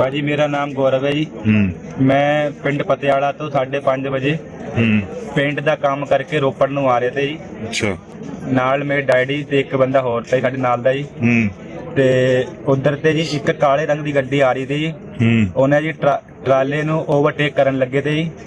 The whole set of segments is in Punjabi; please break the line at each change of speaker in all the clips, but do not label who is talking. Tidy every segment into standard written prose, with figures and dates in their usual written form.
ਭਾਜੀ ਮੇਰਾ ਨਾਮ ਗੌਰਵ ਹੈ ਜੀ। ਮੈਂ ਪਿੰਡ ਪਤਿਆਲਾ ਤੋਂ 5:30 ਵਜੇ ਪੇਂਟ ਦਾ ਕੰਮ ਕਰਕੇ ਰੋਪੜ ਨੂੰ ਆ ਰਹੇ ਤੇ ਜੀ।
ਅੱਛਾ।
ਨਾਲ ਮੇਰੇ ਡੈਡੀ ਤੇ ਇੱਕ ਬੰਦਾ ਹੋਰ ਤੇ ਸਾਡੇ ਨਾਲ ਦਾ ਜੀ। ਤੇ ਉਧਰ ਤੇ ਜੀ ਇੱਕ ਕਾਲੇ ਰੰਗ ਦੀ ਗੱਡੀ ਆ ਰਹੀ ਸੀ ਜੀ। ਉਹਨੇ ਜੀ ਟਰਾਲੇ ਨੂੰ ਓਵਰਟੇਕ ਕਰਨ ਲੱਗੇ ਤੇ ਜੀ।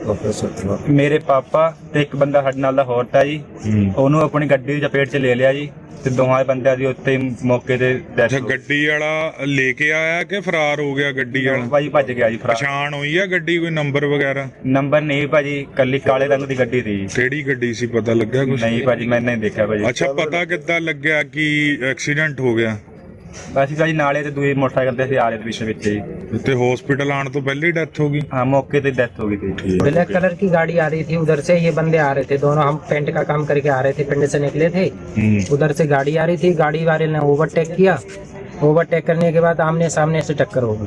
ਅੱਛਾ।
ਮੇਰੇ ਪਾਪਾ ਤੇ ਇੱਕ ਬੰਦਾ ਸਾਡੇ ਨਾਲ ਦਾ ਹੋਰ ਤਾ ਜੀ, ਉਹਨੂੰ ਆਪਣੀ ਗੱਡੀ ਦੀ ਚਪੇਟ 'ਚ ਲੈ ਲਿਆ ਜੀ ਤੇ ਦੋਹਾਂ ਬੰਦਿਆਂ ਦੀ ਉੱਤੇ ਮੌਕੇ ਤੇ ਡੈਥ।
ਗੱਡੀ ਵਾਲਾ ਲੈ ਕੇ ਆਇਆ ਕਿ ਫਰਾਰ ਹੋ ਗਿਆ? ਗੱਡੀ ਵਾਲਾ
ਭਾਜੀ ਭੱਜ ਗਿਆ ਜੀ।
ਪਛਾਣ ਹੋਈ ਆ ਗੱਡੀ, ਕੋਈ ਨੰਬਰ ਵਗੈਰਾ?
ਨੰਬਰ ਨਹੀਂ ਭਾਜੀ, ਕੱਲੀ ਕਾਲੇ ਰੰਗ ਦੀ ਗੱਡੀ ਸੀ।
ਕਿਹੜੀ ਗੱਡੀ ਸੀ, ਪਤਾ ਲੱਗਿਆ ਕੁਝ?
ਨਹੀਂ ਭਾਜੀ ਮੈਂ ਨਹੀਂ ਦੇਖਿਆ ਭਾਜੀ।
ਅੱਛਾ, ਪਤਾ ਕਿੱਦਾਂ ਲੱਗਿਆ ਕਿ ਐਕਸੀਡੈਂਟ ਹੋ ਗਿਆ?
ਅਸੀਂ ਭਾਜੀ ਨਾਲੇ ਤੇ ਦੂਏ ਮੋਟਰਸਾਈਕਲ ਤੇ ਆ ਰਹੇ ਪਿੱਛੇ ਵਿੱਚ ਜੀ।
ਤੇ हॉस्पिटल आने तो पहले ही डेथ होगी?
हाँ, मौके पे डेथ हो गई थी।
ब्लैक कलर की गाड़ी आ रही थी, उधर से ये बंदे आ रहे थे दोनों। हम पेंट का काम करके आ रहे थे, पिंड से निकले थे। उधर से गाड़ी आ रही थी, गाड़ी वाले ने ओवरटेक किया। ओवरटेक करने के बाद आमने सामने से टक्कर हो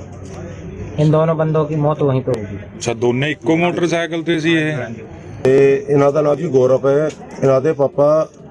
गई। इन दोनों बंदों की मौत वहीं पे होगी।
अच्छा, दोनों इको मोटरसाइकिल थे सी ये?
ਇਹਨਾਂ ਦਾ ਨਾਮ ਜੀ ਗੌਰਵ ਹੈ। ਇਹਨਾਂ ਦੇ ਪਾਪਾ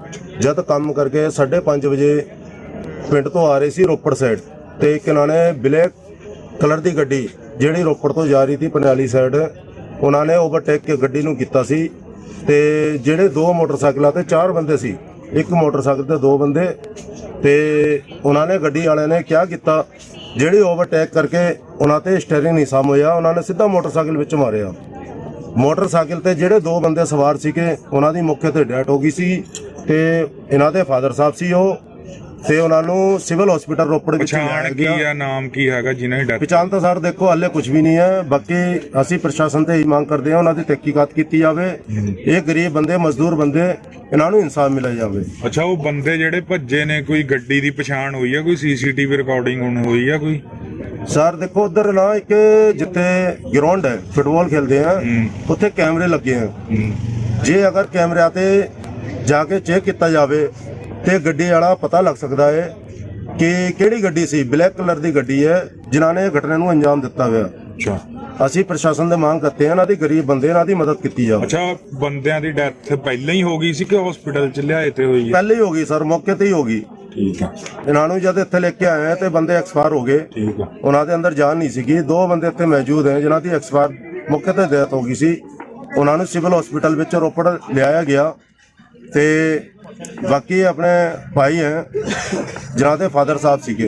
ਜਦ ਕੰਮ ਕਰਕੇ 5:30 ਵਜੇ ਪਿੰਡ ਤੋਂ ਆ ਰਹੇ ਸੀ ਰੋਪੜ ਸਾਈਡ ਤੇ ਇੱਕ ਇਹਨਾਂ ਨੇ ਬਲੈਕ ਕਲਰ ਦੀ ਗੱਡੀ ਜਿਹੜੀ ਰੋਪੜ ਤੋਂ ਜਾ ਰਹੀ ਸੀ ਪਨਿਆਲੀ ਸਾਈਡ, ਉਹਨਾਂ ਨੇ ਓਵਰਟੇਕ ਕੇ ਗੱਡੀ ਨੂੰ ਕੀਤਾ ਸੀ। ਤੇ ਜਿਹੜੇ ਦੋ ਮੋਟਰਸਾਈਕਲਾਂ ਤੇ 4 ਬੰਦੇ ਸੀ, ਇੱਕ ਮੋਟਰਸਾਈਕਲ ਤੇ 2 ਬੰਦੇ, ਤੇ ਉਹਨਾਂ ਨੇ ਗੱਡੀ ਵਾਲਿਆਂ ਨੇ ਕਿਆ ਕੀਤਾ, ਜਿਹੜੀ ਓਵਰਟੇਕ ਕਰਕੇ ਉਹਨਾਂ ਤੇ ਸਟੀਅਰਿੰਗ ਨਹੀਂ ਸਾਮ ਹੋਇਆ, ਉਹਨਾਂ ਨੇ ਸਿੱਧਾ ਮੋਟਰਸਾਈਕਲ ਵਿੱਚ ਮਾਰਿਆ। ਮੋਟਰਸਾਈਕਲ ਤੇ ਜਿਹੜੇ 2 ਬੰਦੇ ਸਵਾਰ ਸੀਗੇ ਉਹਨਾਂ ਦੀ ਮੌਕੇ ਤੇ ਡੈਥ ਹੋ ਗਈ ਸੀ। ਤੇ ਇਹਨਾਂ ਦੇ ਫਾਦਰ ਸਾਹਿਬ ਸੀ ਉਹ, ਤੇ ਉਹਨਾਂ ਨੂੰ ਸਿਵਲ ਹਸਪੀਟਲ ਰੋਪੜ ਵਿੱਚ
ਪਛਾਣ ਕੀ ਆ, ਨਾਮ ਕੀ ਹੈਗਾ ਜਿਨ੍ਹਾਂ ਦੀ ਡੈਥ?
ਪਛਾਣ ਤਾਂ ਸਰ ਦੇਖੋ ਹਾਲੇ ਕੁਝ ਵੀ ਨਹੀਂ ਹੈ। ਬਾਕੀ ਅਸੀਂ ਪ੍ਰਸ਼ਾਸਨ ਤੇ ਹੀ ਮੰਗ ਕਰਦੇ ਹਾਂ ਉਹਨਾਂ ਦੀ ਤਹਿਕੀਕਾਤ ਕੀਤੀ ਜਾਵੇ। ਇਹ ਗਰੀਬ ਬੰਦੇ, ਮਜ਼ਦੂਰ ਬੰਦੇ, ਇਹਨਾਂ ਨੂੰ ਇਨਸਾਫ ਮਿਲਿਆ ਜਾਵੇ।
ਅੱਛਾ, ਉਹ ਬੰਦੇ ਜਿਹੜੇ ਭੱਜੇ ਨੇ, ਕੋਈ ਗੱਡੀ ਦੀ ਪਛਾਣ ਹੋਈ ਆ? ਕੋਈ ਸੀਸੀਟੀਵੀ ਰਿਕਾਰਡਿੰਗ ਹੁਣ ਹੋਈ ਆ ਕੋਈ?
ਸਰ ਦੇਖੋ ਉਧਰ ਨਾ ਇੱਕ ਜਿੱਥੇ ਗਰਾਊਂਡ ਹੈ, ਫੁੱਟਬਾਲ ਖੇਲਦੇ ਆ, ਉੱਥੇ ਕੈਮਰੇ ਲੱਗੇ ਆ। ਜੇ ਅਗਰ ਕੈਮਰਿਆਂ ਤੇ ਜਾ ਕੇ ਚੈੱਕ ਕੀਤਾ ਜਾਵੇ ਤੇ ਗੱਡੀ ਵਾਲਾ ਪਤਾ ਲੱਗ ਸਕਦਾ ਹੈ ਕਿ ਕਿਹੜੀ ਗੱਡੀ ਸੀ। ਬਲੈਕ ਕਲਰ ਦੀ ਗੱਡੀ ਹੈ ਜਿਨ੍ਹਾਂ ਨੇ ਘਟਨਾ ਨੂੰ ਅੰਜਾਮ ਦਿੱਤਾ ਹੋਇਆ।
ਅੱਛਾ।
ਅਸੀਂ ਪ੍ਰਸ਼ਾਸਨ ਦੇ ਮੰਗ ਕਰਦੇ ਹਾਂ ਇਹਨਾਂ ਦੀ ਗਰੀਬ ਬੰਦੇ, ਇਹਨਾਂ ਦੀ ਮਦਦ ਕੀਤੀ ਜਾਵੇ।
ਅੱਛਾ, ਬੰਦਿਆਂ ਦੀ ਡੈਥ ਪਹਿਲਾਂ ਹੀ ਹੋ ਗਈ ਸੀ ਕਿ ਹਸਪੀਟਲ ਚ ਲਿਆਏ ਤੇ ਹੋਈ ਹੈ?
ਪਹਿਲੇ ਹੀ ਹੋ ਗਈ ਸਰ, ਮੌਕੇ ਤੇ ਹੀ ਹੋ ਗਈ।
ਠੀਕ ਆ।
ਇਹਨਾਂ ਨੂੰ ਜਦ ਇੱਥੇ ਲੈ ਕੇ ਆਏ ਤੇ ਬੰਦੇ ਐਕਸਪਾਇਰ ਹੋ ਗਏ।
ਠੀਕ ਆ।
ਉਹਨਾਂ ਦੇ ਅੰਦਰ ਜਾਨ ਨਹੀਂ ਸੀਗੀ। 2 ਬੰਦੇ ਇੱਥੇ ਮੌਜੂਦ ਹੈ ਜਿਨ੍ਹਾਂ ਦੀ ਐਕਸਪਾਇਰ ਮੌਕੇ ਤੇ ਡੈਥ ਹੋ ਗਈ ਸੀ। ਉਹਨਾਂ ਨੂੰ ਸਿਵਲ ਹਸਪੀਟਲ ਵਿੱਚ ਰੋਪੜ ਲਿਆਇਆ ਗਿਆ। ਤੇ ਬਾਕੀ ਆਪਣੇ ਭਾਈ ਹੈ ਜਿਨ੍ਹਾਂ ਦੇ ਫਾਦਰ ਸਾਹਿਬ ਸੀਗੇ।